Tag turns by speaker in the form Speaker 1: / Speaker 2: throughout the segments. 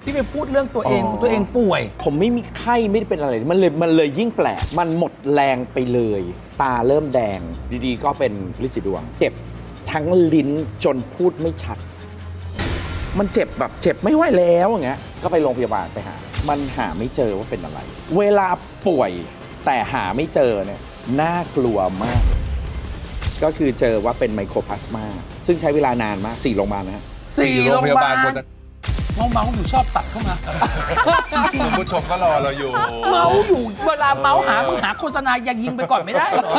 Speaker 1: ที่ไปพูดเรื่องตัวเองตัวเองป่วย
Speaker 2: ผมไม่มีไข้ไม่ได้เป็นอะไรมันเลยยิ่งแปลกมันหมดแรงไปเลย ตาเริ่มแดงดีๆก็เป็นลินสีดวงเจ็บทั้งลิ้นจนพูดไม่ชัด มันเจ็บแบบเจ็บไม่ไหวแล้วอย่างเงี้ยก็ไปโรงพยาบาลไปหามันหาไม่เจอว่าเป็นอะไร เวลาป่วยแต่หาไม่เจอเนี่ยน่ากลัวมาก ก็คือเจอว่าเป็นไมโครพลาสมาซึ่งใช้เวลานานมาก4โรงพยาบาลนะฮะ
Speaker 1: 4 โรงพยาบาลเมาอยู่ชอบตัดเข้ามาจริง
Speaker 3: คุณผู้ชมก็รอเราอยู่
Speaker 1: เมาอยู่เวลาเมาหามึงหาโฆษณาอย่ายิงไปก่อนไม่ได้เหรอ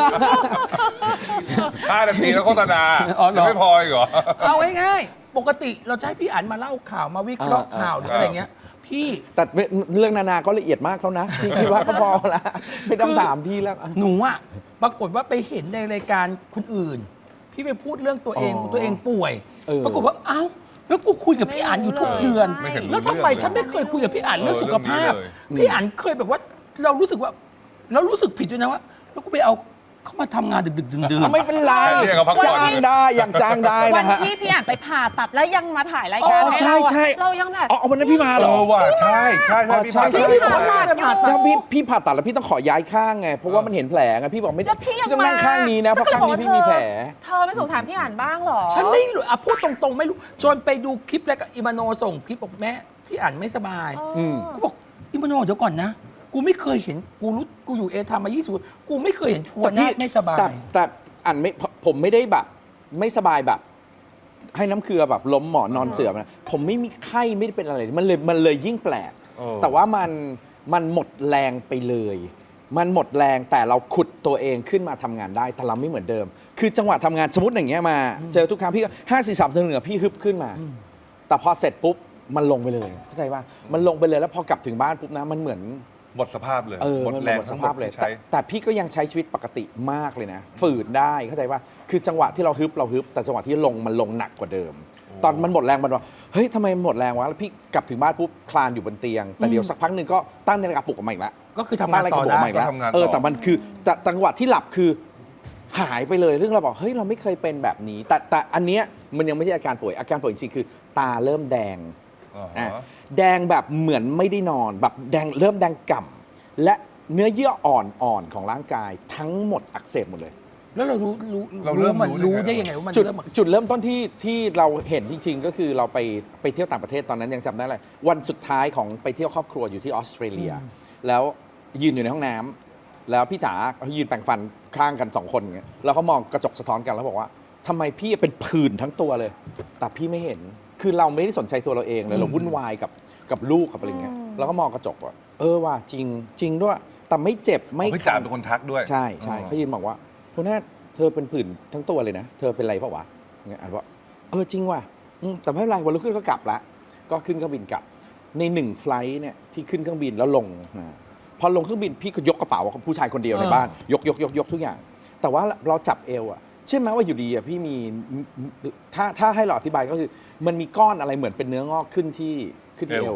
Speaker 3: 5 นาทีแล้วโฆษณา
Speaker 1: อ๋อเหรอ
Speaker 3: ยังไม่พออีกเหรอ
Speaker 1: เอาง่ายๆปกติเราจะให้พี่อั๋นมาเล่าข่าวมาวิเคราะห์ข่าวหรืออะไรเงี้ยพี่
Speaker 2: แต่เรื่องนานาก็ละเอียดมากแล้วนะพี่คิดว่าก็พอละไม่ต้องถามพี่แล้ว
Speaker 1: หนูอะปรากฏว่าไปเห็นในรายการคนอื่น พี่ไปพูดเรื่องตัวเองตัวเองป่วย ปรากฏว่าเอ้าแล้วกูคุยกับพี่อั๋นอยู่ทุกเดือน
Speaker 3: ไม่เห็นรู้
Speaker 1: แล้วทำไม
Speaker 3: เรื่องเลย
Speaker 1: ฉันไม่เคยคุยกับพี่อั๋นเรื่องสุขภาพ
Speaker 3: เรื่องนี้เลย
Speaker 1: พี่อั๋นเคยแบบว่าเรารู้สึกว่าเรารู้สึกผิดด้วยนะว่าแล้วกูไปเอาเขามาทำงานดึกๆดื่นๆ
Speaker 2: ไม่เป็นไร
Speaker 3: เรียกเขาพักผ่อน
Speaker 2: จ้างได้อย่างจ้างได้
Speaker 4: วัน
Speaker 2: นะฮะ
Speaker 4: ที่พี่อ่านไปผ่าตัดแล้วยังมาถ่ายรายการ
Speaker 2: อ๋อใช่
Speaker 4: ให้เราอะ
Speaker 2: ใช่
Speaker 4: เรายังแบบ
Speaker 2: อ๋อวันนั้นพี่มาเหรอ
Speaker 3: ว่ะใช่ใช่
Speaker 2: อ๋อ
Speaker 3: พี่
Speaker 2: ใช่
Speaker 3: ผ่าน
Speaker 2: ใช่
Speaker 1: พี่บอกว่าจะผ่าตัด
Speaker 2: ถ้าพี่ผ่าตัดแล้วพี่ต้องขอย้ายข้างไงเพราะว่ามันเห็นแผลไงพี่บอกไม่ได้
Speaker 4: แล้วพี่ยัง
Speaker 2: ต้องนั่งข้างนี้นะเพราะข้างนี้พี่มีแผล
Speaker 4: เธอไม่สงสารพี่อ่านบ้างเหรอ
Speaker 1: ฉันไม่รู้อ่ะพูดตรงๆไม่รู้จนไปดูคลิปแล้วก็อิมาโนส่งคลิปบอกแม่พี่อั๋นไม่สบาย
Speaker 2: อืม
Speaker 1: ก็บอกอิมาโนเดี๋ยวก่อนนะ กูไม่เคยเห็นกูอยู่เอทามมา20ปีกูไม่เคยเห็นทัวร์หน้าไม่สบาย
Speaker 2: แต่อันไม่ผมไม่ได้แบบไม่สบายแบบ ให้น้ำเกลือแบบล้มหมอนนอนเสื่อมนะผมไม่มีไข้ไม่ได้เป็นอะไรมันเลยยิ่งแปลก แต่ว่ามันหมดแรงไปเลย มันหมดแรงแต่เราขุดตัวเองขึ้นมาทำงานได้แต่เราไม่เหมือนเดิม คือจังหวะทำงานสมมติอย่างเงี้ยมา เจอทุกครั้งพี่ก็5 4 3 2 1พี่ฮึบขึ้นมา แต่พอเสร็จปุ๊บมันลงไปเลยเข้าใจป่ะมันลงไปเลยแล้วพอกลับถึงบ้านปุ๊บนะมันเหมือน
Speaker 3: หมดสภาพเลย
Speaker 2: ห
Speaker 3: หมด
Speaker 2: มัน
Speaker 3: แรง
Speaker 2: หมดส
Speaker 3: ทั้งหม
Speaker 2: ภา
Speaker 3: ด
Speaker 2: พเลย
Speaker 3: ที่ใช้
Speaker 2: แต่พี่ก็ยังใช้ชีวิตปกติมากเลยนะ ฝืนได้เข้าใจว่าคือจังหวะที่เราฮึบแต่จังหวะที่ลงมันลงหนักกว่าเดิม ตอนมันหมดแรงมันว่าเฮ้ยทำไมหมดแรงวะแล้วพี่กลับถึงบ้านปุ๊บคลานอยู่บนเตียง แต่เดี๋ยวสักพักหนึ่งก็ตั้งนาฬิกาปลุกออกมาอีกแล้ว
Speaker 1: ก็คือทำงานต่อ
Speaker 2: ตั้งนาฬิกาปลุกออก
Speaker 1: ได้
Speaker 2: มาอีกแล้ว
Speaker 3: ก็ทำงานต่อ
Speaker 2: แต่มันคือแต่จังหวะที่หลับคือหายไปเลยเรื่องเราบอกเฮ้ยเราไม่เคยเป็นแบบนี้ แต่อันเนี้ยมันยังไม่ใช่อาการป่วยอาการป่วยจริงๆคือ ตาเริ่มแดง
Speaker 3: อ๋อ
Speaker 2: อ่ะแดงแบบเหมือนไม่ได้นอนแบบแดงเริ่มแดงก่ำและเนื้อเยื่ออ่อนๆของร่างกายทั้งหมดอักเสบหมดเลย
Speaker 1: แล้วเรารู้
Speaker 3: เราเริ่ม
Speaker 1: มัน
Speaker 3: รู้
Speaker 1: รู้
Speaker 3: ได้
Speaker 1: ได้
Speaker 3: ไง
Speaker 1: ยังไงว่ามัน
Speaker 2: จุด
Speaker 1: เริ่ม
Speaker 2: จุดเริ่มต้นที่เราเห็นจริงๆ ก็คือเราไปเที่ยวต่างประเทศตอนนั้นยังจำได้เลยวันสุดท้ายของไปเที่ยวครอบครัวอยู่ที่ออสเตรเลีย แล้วยืนอยู่ในห้องน้ำแล้วพี่จ๋าเขายืนแปรงฟันข้างกัน2 คนอย่างเงี้ยแล้วเขามองกระจกสะท้อนกันแล้วบอกว่าทำไมพี่เป็นผื่นทั้งตัวเลย แต่พี่ไม่เห็นคือเราไม่ได้สนใจตัวเราเองเลยเราวุ่นวายกับลูกกับอะไรเงี้ยแล้วก็มองกระจกว่าว่าจริงด้วยแต่ไม่เจ็บไม่
Speaker 3: พี่จ๋าเป็นคนทักด้วย
Speaker 2: ใช่เขายืนบอกว่าคุณแม่เธอเป็นผื่นทั้งตัวเลยนะ เธอเป็นไรเปล่าวะอย่างเงี้ยอ่านว่าจริงว่ะแต่ไม่เป็นไรวันรุ่งขึ้นก็กลับละก็ขึ้นเครื่องบินกลับใน1 ไฟลท์เนี่ยที่ขึ้นเครื่องบินแล้วลงพอลงเครื่องบินพี่ก็ยกกระเป๋าของผู้ชายคนเดียวในบ้านยกทุกอย่าง แต่ว่าเราจับเอวอะเชื่อไหมว่าอยู่ดีอะพี่มีถ้าให้เราอธิบายก็คือมันมีก้อนอะไรเหมือนเป็นเนื้องอกขึ้นที่เอว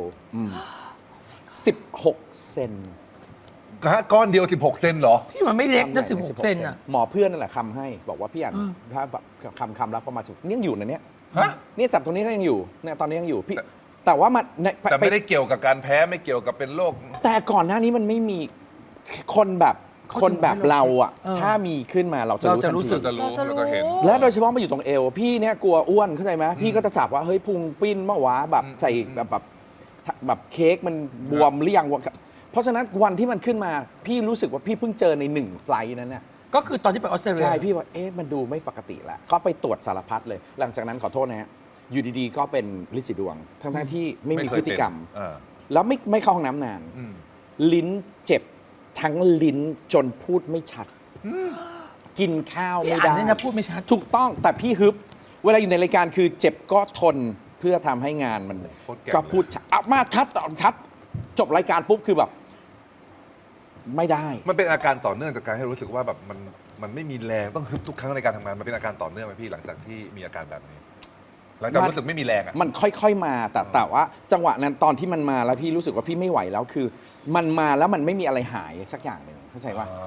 Speaker 2: 16 เซน
Speaker 3: ก้อนเดียว 16 เซนเหรอ
Speaker 1: พี่มันไม่เล็กนะ16 เซนอ่ะ
Speaker 2: หมอเพื่อนนั่นแหละคำให้บอกว่าพี่อ่านถ้าแบบคำรับประมาณนี่ยังอยู่นะเนี่ย
Speaker 3: ฮะ
Speaker 2: เนี่ยจับตรงนี้ก็ยังอยู่เนี่ยตอนนี้ยังอยู่พี่แต่ว่ามัน
Speaker 3: แต่ไม่ได้เกี่ยวกับการแพ้ไม่เกี่ยวกับเป็นโรค
Speaker 2: แต่ก่อนหน้านี้มันไม่มีคนแบบเราอ่ะถ้ามีขึ้นมาเราจะรู้ทัน
Speaker 1: เราจะรู้สึ
Speaker 2: ที
Speaker 1: ก
Speaker 3: จะรู้แล้วก็เห็น
Speaker 2: และโดยเฉพาะมาอยู่ตรงเอวพี่เนี่ยกลัวอ้วนเข้าใจไหมพี่ก็จะจับว่าเฮ้ยพุงปิ้นมาวะแบบใส่แบบเค้กมันบวมหรือยังวะเพราะฉะนั้นวันที่มันขึ้นมาพี่รู้สึกว่าพี่เพิ่งเจอใน1 ไฟลท์นั้นน่ะ
Speaker 1: ก็คือตอนที่ไปออสเตรเลีย
Speaker 2: ใช่พี่ว่ามันดูไม่ปกติแล้วก็ไปตรวจสารพัดเลย หลังจากนั้นขอโทษนะฮะอยู่ดีๆก็เป็นลินสีดวงทั้งที่ไม่มีพฤติกรรม แล้วไม่เข้าห้องน้ำนาน ลิ้นเจ็บทั้งลิ้นจนพูดไม่ชัด กินข้าว
Speaker 1: พี่
Speaker 2: ไม่
Speaker 1: อ่าน
Speaker 2: ได้
Speaker 1: เนี่ยนะพูดไม่ชัด
Speaker 2: ถูกต้องแต่พี่ฮึบ เวลาอยู่ในรายการคือเจ็บก็ทนเพื่อทำให้งานมัน
Speaker 3: โคตรเก่ง
Speaker 2: ก็พูดชัดเอามาชัดจบรายการปุ๊บคือแบบ ไม่ได้
Speaker 3: มันเป็นอาการต่อเนื่องจากการให้รู้สึกว่าแบบมันไม่มีแรงต้องฮึบทุกครั้งในการทำงานมันเป็นอาการต่อเนื่องไหมพี่หลังจากที่มีอาการแบบนี้ หลังจากรู้สึกไม่มีแรงอ่ะ
Speaker 2: มันค่อยๆมาแต่ว่าจังหวะนั้นตอนที่มันมาแล้วพี่รู้สึกว่าพี่ไม่ไหวแล้วคือ มันมาแล้วมันไม่มีอะไรหายสักอย่างหนึ่งเข้าใจว่า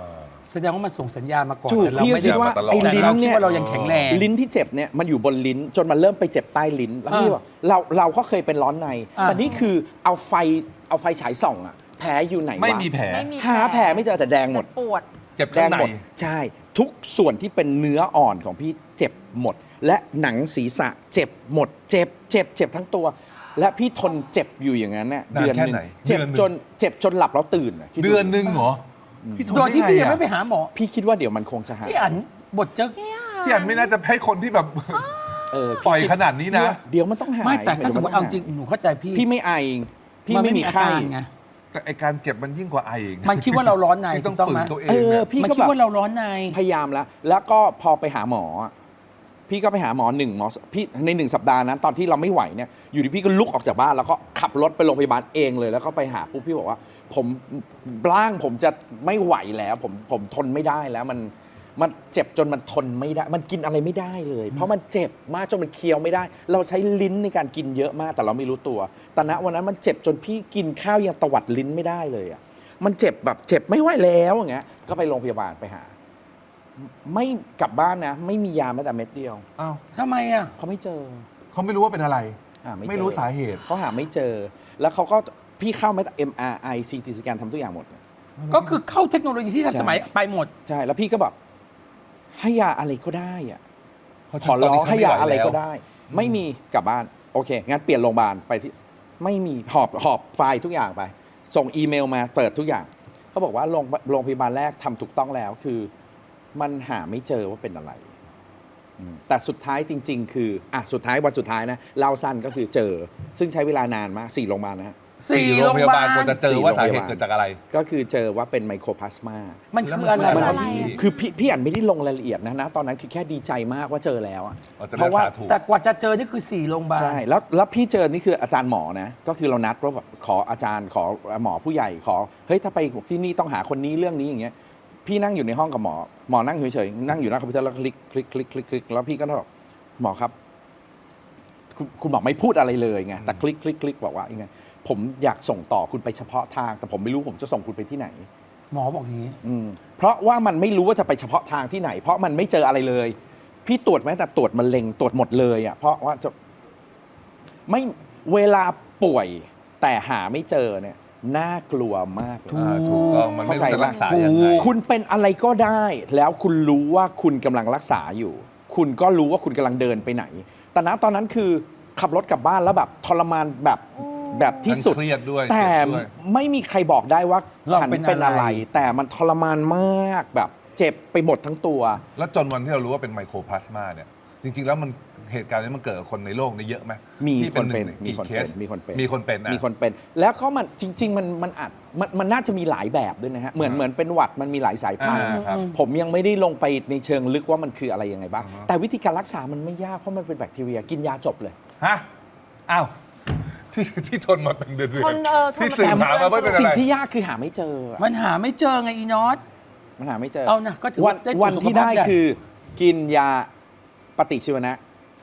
Speaker 1: แสดงว่ามันส่งสัญญาณมาก่อน
Speaker 2: ถูก
Speaker 1: แต่เรา
Speaker 2: พี่ก็
Speaker 1: ไม่
Speaker 2: คิ
Speaker 1: ได้
Speaker 2: ดว่า
Speaker 3: มาตลอด
Speaker 2: ไอ้
Speaker 1: แต่
Speaker 2: ลิ้น
Speaker 1: เราคิด
Speaker 2: เนี่ย
Speaker 1: ว่าเรายังแข็งแรง
Speaker 2: ลิ้นที่เจ็บเนี่ยมันอยู่บนลิ้นจนมันเริ่มไปเจ็บใต้ลิ้นแล้วพี่บอกเราก็เคยเป็นร้อนใน แต่นี่คือเอาไฟฉายส่องอะแผลอยู่ไหนวะ
Speaker 3: ไม่มีแผล
Speaker 4: ไม่มี
Speaker 2: หาแผลไม่เจอแต่แดงหมด
Speaker 4: ปวด
Speaker 3: เจ็บ
Speaker 2: แด
Speaker 3: ข้าง
Speaker 2: ง
Speaker 3: ใน
Speaker 2: หมดใช่ ทุกส่วนที่เป็นเนื้ออ่อนของพี่เจ็บหมด และหนังศีรษะเจ็บหมด เจ็บทั้งตัว และพี่ทนเจ็บอยู่อย่างนั้นเนี่ย
Speaker 3: นานแค่
Speaker 2: ห
Speaker 3: ไหน
Speaker 2: เจ็บ
Speaker 3: เดือนหนึ่ง
Speaker 2: จนหลับแล้วตื่นอะคิ
Speaker 3: เดือนหนึงเหรอพี่ทน
Speaker 1: โดยที่
Speaker 3: ได้
Speaker 1: พี่
Speaker 3: ไง
Speaker 1: ยัง
Speaker 3: อะ
Speaker 1: ไม่ไปหาหมอ
Speaker 2: พี่คิดว่าเดี๋ยวมันคงจะหาย
Speaker 1: พี่อันบทจะ
Speaker 3: พี่อันไม่น่าจะให้คนที่แบบ
Speaker 2: เออ
Speaker 3: ปล่อยขนาดนี้นะ
Speaker 2: เดี๋ยวมันต้องหาย
Speaker 1: ไม่แต่ถ้าสมมติเอา
Speaker 2: ดี๋ยว
Speaker 1: จริงหนูเข้าใจพี่
Speaker 2: พี่ไม่ไอพี่ไม่มี
Speaker 1: อา
Speaker 2: ไข้
Speaker 1: การไง
Speaker 3: แต่ไอการเจ็บมันยิ่งกว่าไอเอง
Speaker 1: มันคิดว่าเราร้อนใน
Speaker 3: พี่ต้อง
Speaker 1: ถูกต้อง
Speaker 3: ฝื
Speaker 1: ไหม
Speaker 3: นตัวเอ
Speaker 2: เอง อ
Speaker 3: อะ
Speaker 2: พี่
Speaker 1: มัน
Speaker 2: ก็
Speaker 1: คิด
Speaker 2: แบบ
Speaker 1: ว่าเราร้อนใน
Speaker 2: พยายามแล้วก็พอไปหาหมออะพี่ก็ไปหาหมอพี่ใน1 สัปดาห์นั้นตอนที่เราไม่ไหวเนี่ยอยู่ดีพี่ก็ลุกออกจากบ้านแล้วก็ขับรถไปโรงพยาบาลเองเลยแล้วก็ไปหาปุ๊บพี่บอกว่าผมร่างผมจะไม่ไหวแล้วผมทนไม่ได้แล้วมันเจ็บจนมันทนไม่ได้ มันกินอะไรไม่ได้เลย เพราะมันเจ็บมากจนมันเคี้ยวไม่ได้ เราใช้ลิ้นในการกินเยอะมากแต่เราไม่รู้ตัวแต่ณวันนั้นมันเจ็บจนพี่กินข้าวยังตวัดลิ้นไม่ได้เลยอ่ะมันเจ็บแบบเจ็บไม่ไหวแล้วอย่างเงี้ยก็ไปโรงพยาบาลไปหา ไม่กลับบ้านนะ ไม่มียาแม้แต่เม็ดเดียว
Speaker 3: อ้าว
Speaker 1: ทำไมอ่ะ
Speaker 2: เขาไม่เจอ
Speaker 3: เขาไม่รู้ว่าเป็นอะไร
Speaker 2: หาไม่เจอ
Speaker 3: ไม่รู้สาเหตุ
Speaker 2: เขาหาไม่เจอ แล้วเขาก็พี่เข้าไม่แต่ MRI CT สแกนทำทุกอย่างหมด
Speaker 1: ก็คือเข้าเทคโนโลยีที่ทันสมัยไปหมด
Speaker 2: ใช่ แล้วพี่ก็แบบให้ยาอะไรก็ได้อะ
Speaker 3: เขา
Speaker 2: ขอร้องให้ยาอะไรก็
Speaker 3: ได้
Speaker 2: ได้ ไม่มีกลับบ้าน โอเค งั้นเปลี่ยนโรงพยาบาลไปที่ ไม่มีหอบไฟล์ทุกอย่างไป ส่งอีเมลมาเปิดทุกอย่าง เขาบอกว่าโรงพยาบาลแรกทำถูกต้องแล้วคือ มันหาไม่เจอว่าเป็นอะไรแต่สุดท้ายจริง ๆ คือสุดท้ายวันสุดท้ายนะเล่าสั้นก็คือเจอ ซึ่งใช้เวลานานมาก4 โรงพยาบาลนะฮะ
Speaker 3: สี่โรงพยาบาลกว่าจะเจอว่าสาเหตุเกิดจากอะไร
Speaker 2: ก็คือเจอว่าเป็นไมโครพลาสมา
Speaker 1: มันคืออะไร
Speaker 3: แล้วมันคือ
Speaker 1: วะ
Speaker 3: อะไร
Speaker 1: พี่
Speaker 2: คือพี่อ่านไม่ได้ลงรายละเอียดนะตอนนั้นคือแค่ดีใจมากว่าเจอแล้วอะ
Speaker 3: เราจะ
Speaker 2: เพ
Speaker 3: รัก
Speaker 2: ราะว่า
Speaker 3: ษาถูก
Speaker 1: แต่กว่าจะเจอนี่คือ4โรงพยาบาล
Speaker 2: ใช่แล้วพี่เจอนี่คืออาจารย์หมอนะก็คือเรานัดว่าแบบขออาจารย์ขอหมอผู้ใหญ่ขอเฮ้ยถ้าไปที่นี่ต้องหาคนนี้เรื่องนี้อย่างเงี้ยพี่นั่งอยู่ในห้องกับหมอนั่งเฉยๆนั่งอยู่หน้าคอมพิวเตอร์แล้วคลิกแล้วพี่ก็บอกหมอครับคุณหมอไม่พูดอะไรเลยไงแต่คลิกบอกว่ายังไงผมอยากส่งต่อคุณไปเฉพาะทาง แต่ผมไม่รู้ผมจะส่งคุณไปที่ไหน
Speaker 1: หมอบอกอย่างนี้
Speaker 2: เพราะว่ามันไม่รู้ว่าจะไปเฉพาะทางที่ไหน เพราะมันไม่เจออะไรเลย พี่ตรวจแม้แต่ตรวจมะเร็งตรวจหมดเลยอ่ะเพราะว่าจะไม่เวลาป่วยแต่หาไม่เจอเนี่ยน่ากลัวมากเลย
Speaker 3: ถูกต้องมันไม่รู้จะรักษายังไง
Speaker 2: คุณเป็นอะไรก็ได้ แล้วคุณรู้ว่าคุณกำลังรักษาอยู่ คุณก็รู้ว่าคุณกำลังเดินไปไหน แต่ณตอนนั้นคือขับรถกลับบ้านแล้วแบบทรมานแบบที่สุด
Speaker 3: ทั้งเครียดด้วย
Speaker 2: แต่
Speaker 3: เจ็บด้วย
Speaker 2: ไม่มีใครบอกได้ว่า
Speaker 1: เรา
Speaker 2: ฉัน
Speaker 1: เป็น
Speaker 2: เป็นอะไร
Speaker 1: อะไร
Speaker 2: แต่มันทรมานมากแบบเจ็บไปหมดทั้งตัว
Speaker 3: แล้วจนวันที่เรารู้ว่าเป็นไมโครพลาสมาเนี่ย จริง ๆ แล้วมันเหตุการณ์นี้มันเกิดกับคนในโลกนี้เยอะไหม
Speaker 2: มี
Speaker 3: ที่
Speaker 2: คนเป็น
Speaker 3: หง
Speaker 2: มีคน
Speaker 3: เค
Speaker 2: เป็น
Speaker 3: ส
Speaker 2: มีคนเป็น
Speaker 3: มีคนเป็นนะ
Speaker 2: มีคนเป็น แล้วก็มันจริง ๆ มันน่าจะมีหลายแบบด้วยนะฮะเหมือนเป็นหวัดมันมีหลายสายพันธุ์
Speaker 3: ครับ
Speaker 2: ผมยังไม่ได้ลงไปในเชิงลึกว่ามันคืออะไรยังไงบ้าง
Speaker 3: อ่าฮะ
Speaker 2: แต่วิธีการรักษามันไม่ยากเพราะมันเป็นแบคทีเรียกินยาจบเลย
Speaker 3: ฮะอ้าวที่ทนมาเป็นเดือน
Speaker 4: ทนทน
Speaker 3: ที่สืบหามาไม่เป็นอะ
Speaker 2: สิ่ง
Speaker 3: ไร
Speaker 2: ที่ยากคือหาไม่เจอ
Speaker 1: มันหาไม่เจอไงอีนอต
Speaker 2: มันหาไม่เจอ
Speaker 1: เอานะก็ถือ
Speaker 2: วั
Speaker 1: ว่าน ได้ตรวจ
Speaker 2: วัน
Speaker 1: สุข
Speaker 2: ที่
Speaker 1: ภาพ
Speaker 2: ได้
Speaker 1: ใหญ่
Speaker 2: คือกินยาปฏิชีวนะ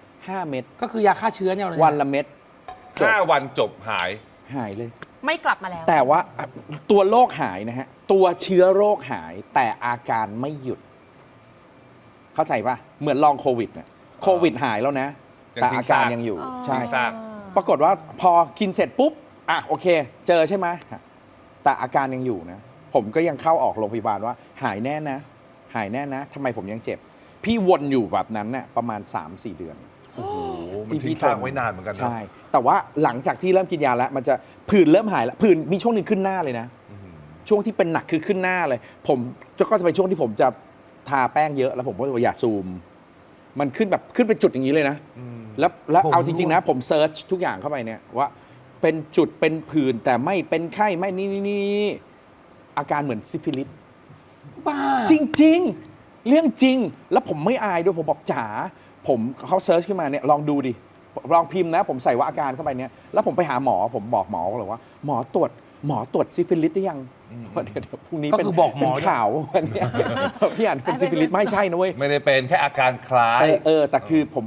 Speaker 2: 5 เม็ด
Speaker 1: ก็คือยาฆ่าเชื้อเนี่ยเลย
Speaker 2: วันละเม็ดจบ
Speaker 3: 5 วันจบหาย
Speaker 2: หายเลย
Speaker 4: ไม่กลับมาแล้ว
Speaker 2: แต่ว่าตัวโรคหายนะฮะ ตัวเชื้อโรคหายแต่อาการไม่หยุด เข้าใจปะเหมือนลองโควิดเนี่ยโควิดหายแล้วนะ
Speaker 3: ยัง
Speaker 2: แต่
Speaker 3: ทิ้ง
Speaker 2: อาการ
Speaker 3: ซาก
Speaker 2: ยังอยู่
Speaker 4: อ๋อ
Speaker 2: ใช่
Speaker 3: ทิ้งซาก
Speaker 2: ปรากฏว่าพอกินเสร็จปุ๊บโอเค เจอใช่ไหมแต่อาการยังอยู่นะ ผมก็ยังเข้าออกโรงพยาบาลว่าหายแน่นะ หายแน่นะทำไมผมยังเจ็บ พี่วนอยู่แบบนั้นเนี่ยประมาณ 3-4 เดือน
Speaker 3: โอ้โหมันทิ้งซากไว้นานเหมือนกันนะ
Speaker 2: ใช่ แต่ว่าหลังจากที่เริ่มกินยาแล้ว มันจะผื่นเริ่มหายแล้วผื่นมีช่วงหนึ่งขึ้นหน้าเลยนะ
Speaker 3: อื้อหือ
Speaker 2: ช่วงที่เป็นหนักคือขึ้นหน้าเลย ผมก็จะเป็นช่วงที่ผมจะทาแป้งเยอะแล้วผมก็จะอย่าซูม มันขึ้นแบบขึ้นเป็นจุดอย่างนี้เลยนะ แล้วเอาจริง ๆ นะ ผมเซิร์ชทุกอย่างเข้าไปเนี่ยว่าเป็นจุดเป็นผื่นแต่ไม่เป็นไข้ไม่นี่อาการเหมือนซิฟิลิส
Speaker 1: บ้า
Speaker 2: จริง ๆ เรื่องจริง แล้วผมไม่อายด้วยผมบอกจ๋าผมเขาเซิร์ชขึ้นมาเนี่ยลองดูดิลองพิมพ์นะ ผมใส่ว่าอาการเข้าไปเนี่ยแล้วผมไปหาหมอผมบอกหมอเลยว่า หมอตรวจซิฟิลิสได้ยังเดี๋ยวพรุ่งนี้
Speaker 1: ก็
Speaker 2: เป็น
Speaker 1: คือบอกหม
Speaker 2: เป็
Speaker 1: อน
Speaker 2: ข่าววันเนี้ยพี่อ่านเป็นซิฟิลิสไม่ใช่นะเว้ย
Speaker 3: ไม่ได้เป็นแค่อาการคล้าย
Speaker 2: แต่คือผมบอกว่า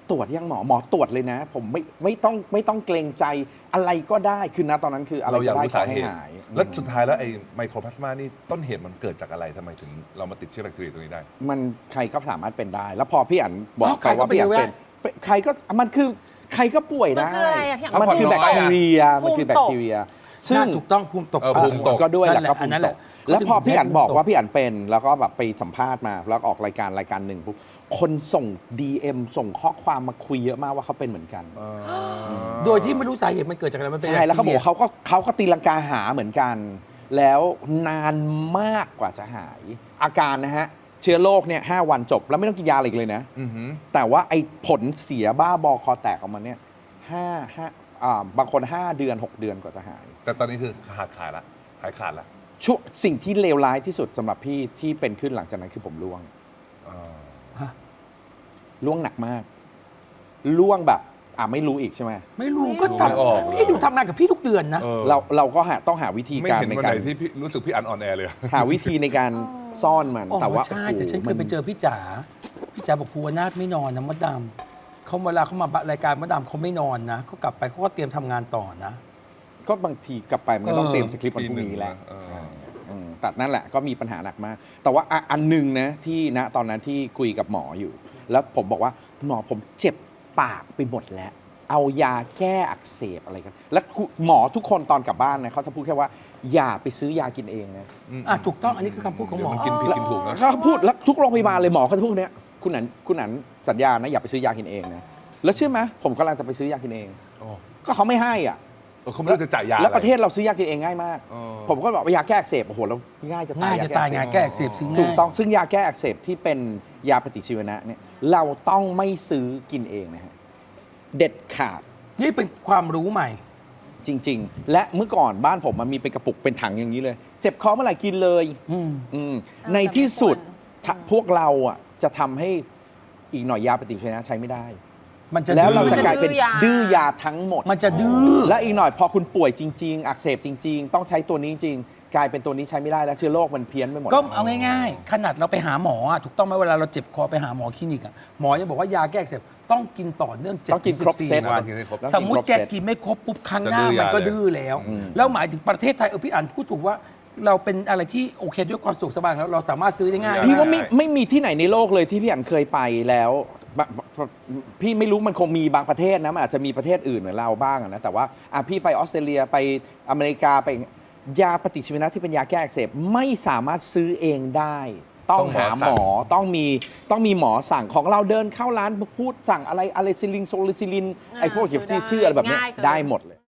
Speaker 2: ตรวจยังหมอตรวจเลยนะ ผมไม่ต้องเกรงใจอะไรก็ได้คือนะตอนนั้นคืออะไร
Speaker 3: เราอยาก
Speaker 2: ก็ได้
Speaker 3: รู้
Speaker 2: ข
Speaker 3: สา
Speaker 2: อให้
Speaker 3: เหตุ
Speaker 2: หาย
Speaker 3: แล้วสุดท้ายแล้วไอ้ไมโครพลาสมานี่ต้นเหตุมันเกิดจากอะไรทำไมถึงเรามาติดเชื้อแบคทีเรียตัวนี้ได้
Speaker 2: มันใครก็สามารถเป็นได้ แล้วพอพี่อั๋นบอก
Speaker 1: อ้าว
Speaker 2: ไปว่าพี่อั๋น
Speaker 1: ใครก็เป็น
Speaker 2: เป็นใครก็มันคือใครก็ป่วย
Speaker 4: มัน
Speaker 2: ได้
Speaker 4: คืออะไรอะพี่อั๋น
Speaker 2: มันคือ
Speaker 3: ภู
Speaker 2: แบ
Speaker 3: มิ
Speaker 2: ค
Speaker 3: น้อย
Speaker 2: ที
Speaker 3: อะ
Speaker 2: เรียมันคือแบคทีเรีย ซึ่ง
Speaker 1: น่าถูกต้องภูมิตก
Speaker 3: ภูมิตก
Speaker 2: ก็ด้วยแหละ
Speaker 1: นั่น
Speaker 2: ก็
Speaker 1: อั
Speaker 2: ภู
Speaker 1: น
Speaker 2: มิ
Speaker 1: นั้น
Speaker 2: ต
Speaker 1: แหละ
Speaker 2: กแล้วพอพี่อั๋นบอกว่า
Speaker 1: ภูมิต
Speaker 2: พี่อั๋นเป็นแล้วก็แบบไปสัมภาษณ์มาแล้วออกรายการหนึ่งปุ๊บคนส่ง DM ส่งข้อความมาคุยเยอะมากว่าเขาเป็นเหมือนกัน
Speaker 1: โดยที่ไม่รู้สาเหตุมันเกิดจากอะไรมันเป็น
Speaker 2: ใช่แล้วเขาบอก
Speaker 1: บคทีรีย
Speaker 2: เขาก็ตีลังกาหาเหมือนกัน แล้วนานมากกว่าจะหาย อาการนะฮะ เชื้อโรคเนี่ย5 วันจบ แล้วไม่ต้องกินยาอะไรอีกเลยนะ
Speaker 3: อือหือ
Speaker 2: แต่ว่าไอ้ผลเสียบ้าบอคอแตกออกมาเนี่ยบางคน 5 เดือน 6 เดือนกว่าจะหาย
Speaker 3: แต่ตอนนี้คือขาดละหายขาดละ
Speaker 2: ช่วงสิ่งที่เลวร้ายที่สุดสำหรับพี่ที่เป็นขึ้นหลังจากนั้นคือผมร่วง
Speaker 3: อ่า
Speaker 2: ร่วงหนักมากร่วงแบบไม่รู้อีกใช่ไหม
Speaker 1: ไม่รู้ก็
Speaker 3: ไม่ออก
Speaker 1: พี่ดูทำงานกับพี่ทุกเดือนนะ
Speaker 3: ออ
Speaker 2: เราก็ต้องหาวิธี
Speaker 3: ไม่
Speaker 2: การ
Speaker 3: เห็น
Speaker 2: ใน
Speaker 3: วัน
Speaker 2: กา
Speaker 3: ไห
Speaker 2: ร
Speaker 3: นที่พี่รู้สึกพี่อันออนแอร์เลย
Speaker 2: หาวิธีในการซ่อนมัน
Speaker 1: อ๋อ
Speaker 2: แต่ว่า
Speaker 1: ใช่
Speaker 2: โอ้โห
Speaker 1: แต่ฉันเคยไป
Speaker 2: มัน
Speaker 1: เจอพี่จ๋าบอกภูวนาถไม่นอนนะมดดำเขาเวลาเขามารายการมดดำเขาไม่นอนนะเขากลับไปเขาก็เตรียมทำงานต่อนะ
Speaker 2: ก็บางทีกลับไปมันก็ต้องเตรียมสคริปต์วันพรุ่งนี้แหละ
Speaker 3: เออ
Speaker 2: แต่นั่นแหละก็มีปัญหาหนักมาก แต่ว่าอันหนึ่งนะที่ณตอนนั้นที่คุยกับหมออยู่ แล้วผมบอกว่าหมอผมเจ็บปากไปหมดแล้ว เอายาแก้อักเสบอะไรกัน แล้วหมอทุกคนตอนกลับบ้านนะเขาจะพูดแค่ว่าอย่าไปซื้อยากินเองนะ
Speaker 1: ถูกต้องอันนี้คือคำพูดของหมอ
Speaker 3: เดี๋ยวมันกินผิดกินถูกนะ
Speaker 2: เขาพูดแล้วทุกโรงพยาบาลเลยหมอเขาจะพูดเนี้ยคุณหนันสัญญานะอย่าไปซื้อยากินเองนะแล้วเชื่อไหมผมกำลังจะไปซื้อยากินเอง
Speaker 3: โอ้
Speaker 2: ก็เขาไม่ให้อ่ะ
Speaker 3: เขาไม่รู้จะจ่ายยา
Speaker 2: แล้ว
Speaker 3: อไ
Speaker 2: ประเทศเราซื้อยากินเองง่ายมาก
Speaker 3: อ๋อ
Speaker 2: ผมก็บอกว่ายาแก้อักเสบโอ้โหแล้วง่ายจะตา
Speaker 1: ง่าย ยจะตาย
Speaker 2: อักเสบ
Speaker 1: งานแก้อักเสบซื้อง่าย
Speaker 2: ถูกต้องซึ่งยาแก้อักเสบที่เป็นยาปฏิชีวนะเนี่ยเราต้องไม่ซื้อกินเองนะฮะเด็ดขาด
Speaker 1: นี่เป็นความรู้ใหม่
Speaker 2: จริง ๆ และเมื่อก่อนบ้านผมมันมีเป็นกระปุกเป็นถังอย่างนี้เลย เจ็บคอเมื่อไหร่กินเลย
Speaker 1: อืม
Speaker 2: ในที่สุด
Speaker 4: แต่ไม่ควร
Speaker 2: พวกเราอ่ะจะทำให้อีกหน่อยยาปฏิชีวนะใช้ไม่ได้
Speaker 1: มันจะ
Speaker 2: แล้ว
Speaker 1: ดื้อ
Speaker 2: เราจะกลายเป็น
Speaker 4: ดื้อยา
Speaker 2: ดื้อยาทั้งหมด
Speaker 1: มันจะดื้อ
Speaker 2: และอีกหน่อยพอคุณป่วยจริง ๆ อักเสบจริง ๆ ต้องใช้ตัวนี้จริงกลายเป็นตัวนี้ใช้ไม่ได้แล้วเชื้อโรคมันเพี้ยนไปหมด
Speaker 1: ก็เอาง่ายๆ ขนาดเราไปหาหมออะถูกต้องไหมเวลาเราเจ็บคอไปหาหมอคลินิกอะหมอจะบอกว่ายาแก้อักเสบต้องกินต่อเนื่อง7
Speaker 2: ต้องกินครบ
Speaker 1: 14
Speaker 2: เซต
Speaker 1: วัน
Speaker 3: ต้องกินให้ครบ
Speaker 1: สมมุติแกกินไม่ครบปุ๊บครั้งหน้า
Speaker 3: จะดื้อยา
Speaker 1: มันก็
Speaker 3: เลย
Speaker 1: ดื้อแล้ว
Speaker 2: อืม
Speaker 1: แล้วหมายถึงประเทศไทยพี่อ่านพูดถูกว่าเราเป็นอะไรที่โอเคด้วยความสุขสบายแล้วเราสามารถซื้อได้ง่าย
Speaker 2: พี่ว่าไม่มีที่ไหนในโลกเลยที่พี่อันเคยไปแล้วพี่ไม่รู้มันคงมีบางประเทศนะมันอาจจะมีประเทศอื่นเหมือนเราบ้างอะนะแต่ว่าพี่ไปออสเตรเลียไปอเมริกาไปยาปฏิชีวนะที่เป็นยาแก้อักเสบไม่สามารถซื้อเองได้ ต้องหาหมอต้องมีหมอสั่งของเราเดินเข้าร้านพูดสั่งอะไรซิลินโซลิซิลินไอ้พวกเกี่ยวกับชื่ออะไรแบบเนี้ย
Speaker 4: ง่ายเกิน
Speaker 2: ได้หมดเลย